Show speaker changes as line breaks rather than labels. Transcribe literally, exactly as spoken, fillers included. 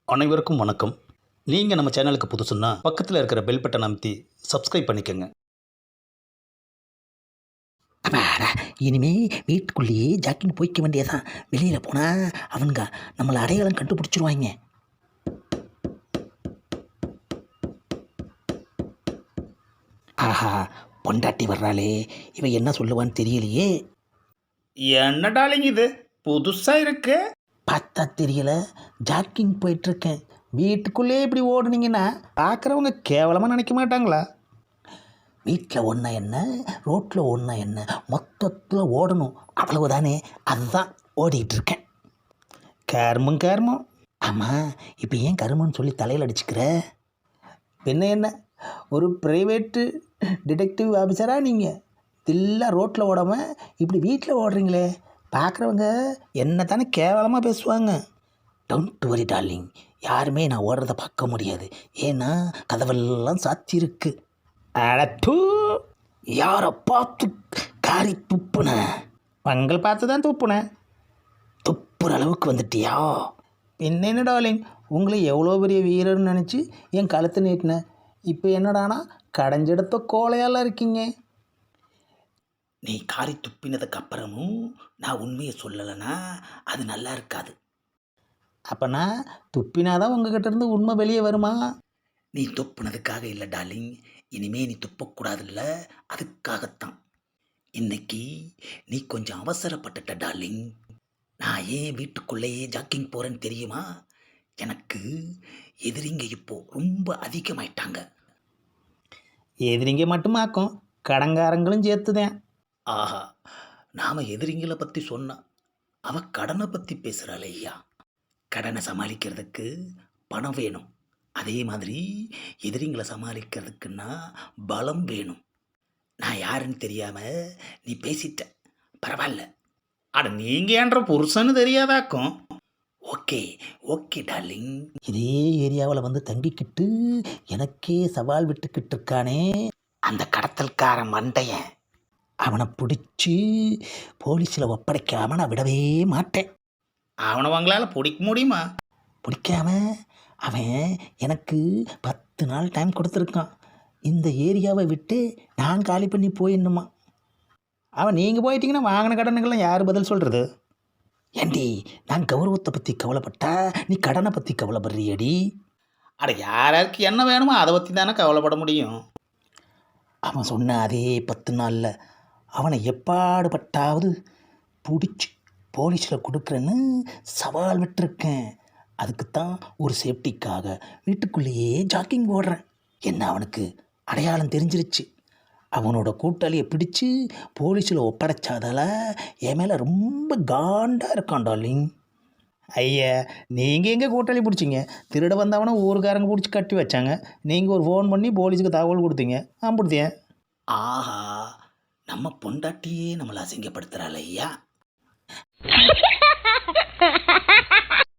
அனைவருக்கும் வணக்கம். நீங்கள் நம்ம சேனலுக்கு புதுசுன்னா பக்கத்தில் இருக்கிற பெல் பட்டன் அமைத்தி சப்ஸ்கிரைப் பண்ணிக்கோங்க.
அப்பாடா, இனிமே வீட்டுக்குள்ளேயே ஜாக்கிங் போய்க்க வேண்டியதான். வெளியில் போனால் அவனுங்க நம்மளை அடையாளம் கண்டுபிடிச்சிருவாங்க. ஆஹா, பொண்டாட்டி வர்றாளே, இவன் என்ன சொல்லுவான்னு தெரியலையே.
என்ன டாலிங் இது புதுசாக இருக்கு?
பார்த்தா தெரியல, ஜாக்கிங் போயிட்டுருக்கேன். வீட்டுக்குள்ளே இப்படி ஓடுனீங்கன்னா
பார்க்குறவங்க கேவலமாக நினைக்க மாட்டாங்களா?
வீட்டில் ஒன்றா என்ன, ரோட்டில் ஒன்றா என்ன, மொத்தத்தில் ஓடணும், அவ்வளவுதானே. அதுதான் ஓடிக்கிட்டு இருக்கேன்.
கர்மம் கர்மம்.
ஆமாம், இப்போ ஏன் கருமன்னு சொல்லி தலையில் அடிச்சுக்கிற?
என்ன என்ன ஒரு ப்ரைவேட்டு டிடெக்டிவ் ஆஃபீஸராக நீங்கள் தில்லா ரோட்டில் ஓடாமல் இப்படி வீட்டில் ஓடுறீங்களே, பார்க்குறவங்க என்ன தானே கேவலமாக பேசுவாங்க.
டோன்ட் வரி டார்லிங், யாருமே நான் ஓடுறத பார்க்க முடியாது. ஏன்னா கதவெல்லாம் சாத்தியிருக்கு.
அடத்து,
யாரை பார்த்து காரி துப்புன?
உங்களை பார்த்து தான் தூப்புனேன்.
துப்புற அளவுக்கு வந்துட்டியா?
பின்ன என்ன டாலிங், உங்களை எவ்வளோ பெரிய வீரர்னு நினச்சி என் கழுத்தை நீட்டினேன். இப்போ என்னடானா கடைஞ்செடுத்த கோலையாலாம் இருக்கீங்க.
நீ காரி துப்பினதுக்கு அப்புறமும் நான் உண்மையை சொல்லலைன்னா அது நல்லா இருக்காது.
அப்போனா துப்பினாதான் உங்ககிட்ட இருந்து உண்மை வெளியே வருமா?
நீ துப்புனதுக்காக இல்லை டார்லிங், இனிமே நீ துப்பக்கூடாதுல்ல, அதுக்காகத்தான். இன்னைக்கு நீ கொஞ்சம் அவசரப்பட்டுட்ட டார்லிங். நான் ஏன் வீட்டுக்குள்ளேயே ஜாக்கிங் போகிறேன்னு தெரியுமா? எனக்கு எதிரிங்க இப்போ ரொம்ப அதிகமாயிட்டாங்க.
எதிரிங்க மட்டுமாக்கும், கடங்காரங்களும் சேர்த்துதேன்.
ஆஹா, நாம் எதிரிங்களை பற்றி சொன்னால் அவ கடனை பற்றி பேசுகிறாள். ஐயா, கடனை சமாளிக்கிறதுக்கு பணம் வேணும். அதே மாதிரி எதிரிங்களை சமாளிக்கிறதுக்குன்னா பலம் வேணும். நான் யாருன்னு தெரியாமல் நீ பேசிட்ட, பரவாயில்ல.
அட நீங்கள் ஏன்ற புருஷன்னு தெரியாதாக்கும்.
Okay okay darling. இதே ஏரியாவில் வந்து தங்கிக்கிட்டு எனக்கே சவால் விட்டுக்கிட்டு இருக்கானே அந்த கடத்தல்கார மண்டையன், அவனை பிடிச்சி போலீஸில் ஒப்படைக்காம நான் விடவே மாட்டேன்.
அவனை உங்களால் பிடிக்க முடியுமா?
பிடிக்காம அவன் எனக்கு பத்து நாள் டைம் கொடுத்துருக்கான். இந்த ஏரியாவை விட்டு நான் காலி பண்ணி போயிடணுமா.
அவன் நீங்கள் போயிட்டீங்கன்னா வாங்கின கடனுக்கெல்லாம் யார் பதில் சொல்கிறது?
ஏண்டி, நான் கௌரவத்தை பற்றி கவலைப்பட்டா நீ கடனை பற்றி கவலைப்படுறியடி.
அட யாராருக்கு என்ன வேணுமோ அதை பற்றி தானே கவலைப்பட முடியும்.
அவன் சொன்ன அதே பத்து நாளில் அவனை எப்பாடுபட்டாவது பிடிச்சி போலீஸில் கொடுக்குறேன்னு சவால் விட்டுருக்கேன். அதுக்குத்தான் ஒரு சேஃப்டிக்காக வீட்டுக்குள்ளேயே ஜாக்கிங் ஓடுறேன். என்ன அவனுக்கு அடையாளம் தெரிஞ்சிருச்சு. அவனோட கூட்டாளியை பிடிச்சி போலீஸில் ஒப்படைச்சாதால என் மேலே ரொம்ப காண்டாக இருக்கான் டார்லிங்.
ஐயா, நீங்கள் எங்கே கூட்டாளி பிடிச்சிங்க? திருட வந்தவனை ஊருக்காரங்க பிடிச்சி கட்டி வச்சாங்க. நீங்கள் ஒரு ஃபோன் பண்ணி போலீஸுக்கு தகவல் கொடுத்தீங்க, அம்பிடுத்தேன்.
ஆஹா, நம்ம பொண்டாட்டியே நம்மளை அசிங்கப்படுத்துகிறாள் ஐயா.